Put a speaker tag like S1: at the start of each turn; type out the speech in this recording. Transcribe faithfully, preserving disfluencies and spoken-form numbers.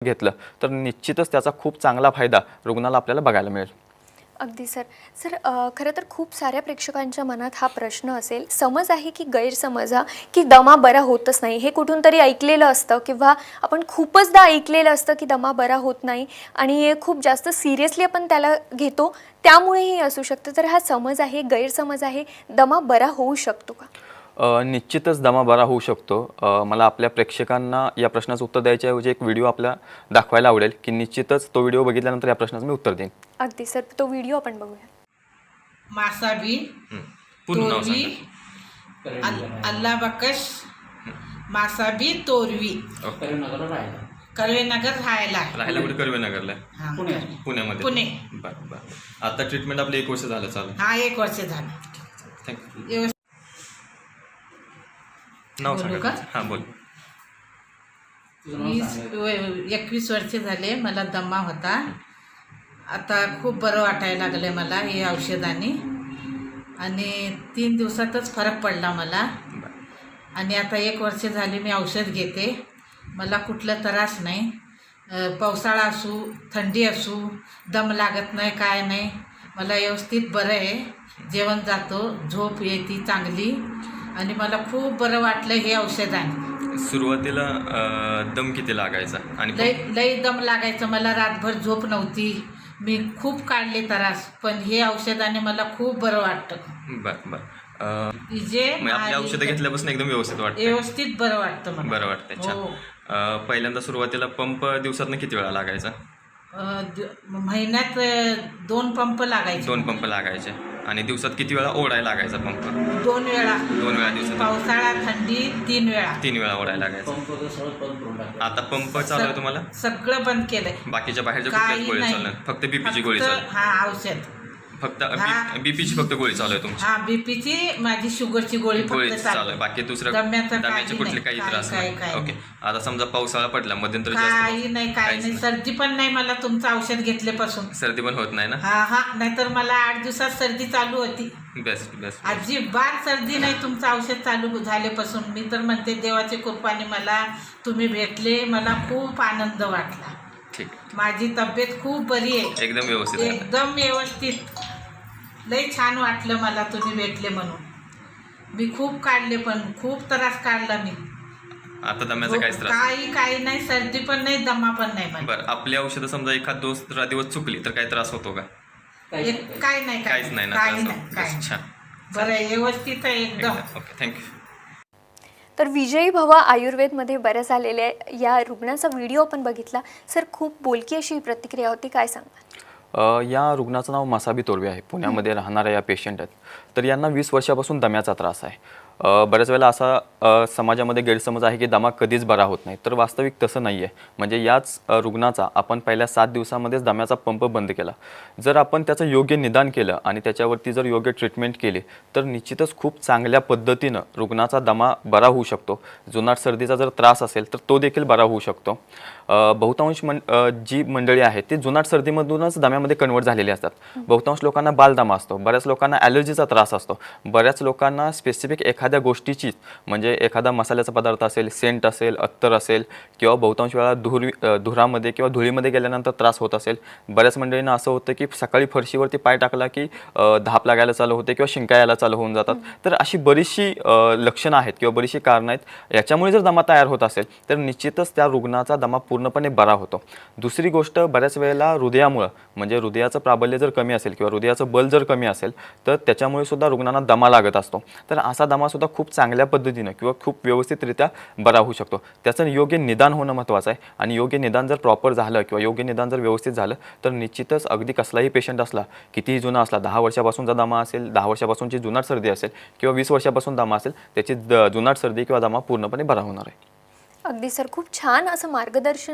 S1: घेतलं तर निश्चितच त्याचा खूप चांगला फायदा रुग्णाला आपल्याला बघायला मिळेल.
S2: अगदी सर. सर खरं तर खूप साऱ्या प्रेक्षकांच्या मनात हा प्रश्न असेल, समज आहे की गैरसमज हा की दमा बरा होतच नाही, हे कुठून तरी ऐकलेलं असतं किंवा आपण खूपचदा ऐकलेलं असतं की दमा बरा होत नाही आणि खूप जास्त सिरियसली आपण त्याला घेतो, त्यामुळेही असू शकतं. तर हा समज आहे, गैरसमज आहे, दमा बरा होऊ शकतो का?
S1: निश्चितच दमा बरा होऊ शकतो. मला आपल्या प्रेक्षकांना या प्रश्नाचं उत्तर द्यायच्याऐवजी एक व्हिडिओ आपला दाखवायला आवडेल की निश्चितच तो व्हिडिओ बघितल्यानंतर या प्रश्नाचं मी उत्तर देईन.
S2: अगदी सर, तो व्हिडिओ आपण बघूया.
S3: मासाबी तोरवी अल्ला बकश मासाबी तोरवी कळवेनगर राहायला
S1: राहायला कुठे कर्वेनगरला
S3: हा,
S1: पुण्यामध्ये.
S3: पुणे.
S1: बरं बरं. आता ट्रीटमेंट आपलं एक वर्ष झालं चालू.
S3: हा एक वर्ष झालं.
S1: थँक्यू.
S3: व्यवस्थित
S1: नाव
S3: बोलू
S1: सांगा.
S3: का?
S1: हां बोल.
S3: वीस व- एकवीस वर्ष झाले मला दमा होता. आता खूप बरं वाटायला लागलं मला हे औषधाने आणि तीन दिवसातच फरक पडला मला. आणि आता एक वर्ष झाले मी औषध घेते. मला कुठलं त्रास नाही. अ, पावसाळा असू थंडी असू दम लागत नाही, काय नाही. मला व्यवस्थित बरं आहे. जेवण जातो, झोप येते चांगली आणि मला खूप बरं वाटलं हे औषधाने.
S1: सुरुवातीला अं, दम किती लागायचा आणि
S3: लय लय दम लागायचं, मला रातभर झोप नव्हती. मी खूप काढले त्रास, पण हे औषधाने मला खूप बरं वाटतं.
S1: बरं बरं. अं,
S3: जे
S1: मग आपली औषधं घेतल्यापासून एकदम व्यवस्थित वाटतं.
S3: व्यवस्थित बरं वाटतं मला.
S1: बरं वाटतंय. छान.
S3: हो.
S1: अं, पहिल्यांदा सुरुवातीला पंप दिवसातनं किती वेळा लागायचा?
S3: अ, द- महिन्यात अ, दोन पंप लागायचे.
S1: दोन पंप लागायचे. आणि दिवसात किती वेळा ओढायला लागायचा पंप?
S3: दोन वेळा.
S1: दोन वेळा दिवसात.
S3: पावसाळा थंडी तीन वेळा.
S1: तीन वेळा ओढायला लागायचा. आता पंप चालू आहे तुम्हाला?
S3: सगळं बंद केलंय.
S1: बाकीच्या बाहेरच्या कुठल्याच
S3: काही
S1: गोळी
S3: नाही.
S1: चालू नाही? फक्त बीपीची गोळी
S3: फक्त-
S1: चालू आहे?
S3: हा औषध.
S1: फक्त
S3: हा.
S1: बीपीची फक्त गोळी चालू आहे तुमची?
S3: हा बीपीची, माझी शुगरची गोळी
S1: गोळी
S3: फक्त
S1: चालू
S3: चालू
S1: आहे. बाकी दुसरं
S3: दम्याचं
S1: दम्याचे
S3: काही
S1: कुठले
S3: नाही.
S1: काही
S3: काही-
S1: त्रास
S3: काही-
S1: नाही?
S3: काही
S1: ओके. आता समजा पावसाळा पडला, मध्यंतरी जास्त
S3: काही नाही, काही
S1: काहीच
S3: नाही. सर्दी पण नाही मला तुमचं औषध घेतल्यापासून.
S1: सर्दी पण होत नाही ना?
S3: हा हा नाहीतर मला आठ दिवसात सर्दी चालू होती.
S1: Best best.
S3: अजिबात सर्दी नाही तुमचं औषध चालू झाल्यापासून. मी तर म्हणते देवाच्या कृपाने मला तुम्ही भेटले, मला खूप आनंद वाटला.
S1: ठीक.
S3: माझी तब्येत खूप बरी आहे,
S1: एकदम व्यवस्थित आहे.
S3: एकदम व्यवस्थित. लय छान वाटलं मला तुम्ही भेटले म्हणून. मी खूप काढले, पण खूप त्रास काढला मी.
S1: आता दम्याचा काहीच त्रास नाही.
S3: काही काही नाही, सर्दी पण नाही, दमा पण नाही मला.
S1: बरं. आपली औषधं समजा एखाद दुसरा दिवस चुकली तर काही त्रास होतो का?
S3: एक- काय नाही,
S1: काहीच नाही ना
S3: काही
S1: त्रास
S3: नाही,
S1: होत?
S3: काही
S1: Best. छान.
S3: बरं आहे, व्यवस्थित आहे एकदम.
S1: ओके. थँक्यू.
S2: तर विजयी भवा आयुर्वेदमध्ये बऱ्या झालेल्या या रुग्णाचा व्हिडिओ आपण बघितला. सर खूप बोलकी अशी प्रतिक्रिया होती, काय सांगा?
S1: अ, या रुग्णाचं नाव मसाबी तोरवे आहे. पुण्यामध्ये राहणाऱ्या या पेशंट आहेत. तर यांना वीस वर्षापासून दम्याचा त्रास आहे. अ, बऱ्याच वेळेला असा अ, समाजामध्ये गैरसमज आहे की दमा कधीच बरा होत नाही. तर वास्तविक तसं नाही आहे. म्हणजे याच अ, रुग्णाचा आपण पहिल्या सात दिवसामध्येच दम्याचा पंप बंद केला. जर आपण त्याचं योग्य निदान केलं आणि त्याच्यावरती जर योग्य ट्रीटमेंट केली तर निश्चितच खूप चांगल्या पद्धतीनं रुग्णाचा दमा बरा होऊ शकतो. जुनाट सर्दीचा जर त्रास असेल तर तो देखील बरा होऊ शकतो. अ, बहुतांश मन अ, जी मंडळी आहे ती जुनाट सर्दीमधूनच दम्यामध्ये कन्वर्ट झालेली असतात. बहुतांश लोकांना बालदमा असतो, बऱ्याच लोकांना ॲलर्जीचा त्रास असतो, बऱ्याच लोकांना स्पेसिफिक एखाद्या गोष्टीची म्हणजे एखादा मसाल्याचा पदार्थ असेल, सेंट असेल, अत्तर असेल किंवा बहुतांश वेळा धूर अ, धुरामध्ये किंवा धुळीमध्ये गेल्यानंतर त्रास होत असेल. बऱ्याच मंडळींना असं होतं की सकाळी फरशीवरती पाय टाकला की अ, धाप लागायला चालू होते किंवा शिंका यायला चालू होऊन जातात. तर अशी बरीचशी अ, लक्षणं आहेत किंवा बरीचशी कारणं आहेत. याच्यामुळे जर दमा तयार होत असेल तर निश्चितच त्या रुग्णाचा दमा पूर्णपणे बरा होतो. दुसरी गोष्ट, बऱ्याच वेळेला हृदयामुळं म्हणजे हृदयाचं प्राबल्य जर कमी असेल किंवा हृदयाचं बल जर कमी असेल तर त्याच्यामुळे सुद्धा रुग्णांना दमा लागत असतो. तर असा दमासुद्धा खूप चांगल्या पद्धतीनं किंवा खूप व्यवस्थितरित्या बरा होऊ शकतो. त्याचं योग्य निदान होणं महत्त्वाचं आहे आणि योग्य निदान जर प्रॉपर झालं किंवा योग्य निदान जर व्यवस्थित झालं तर निश्चितच अगदी कसलाही पेशंट असला, कितीही जुना असला, दहा वर्षापासूनचा दमा असेल, दहा वर्षापासूनची जुनाट सर्दी असेल किंवा वीस वर्षापासून दमा असेल, त्याची द जुनाट सर्दी किंवा दमा पूर्णपणे बरा होणार आहे.
S2: अगदी सर, खूप छान असं मार्गदर्शन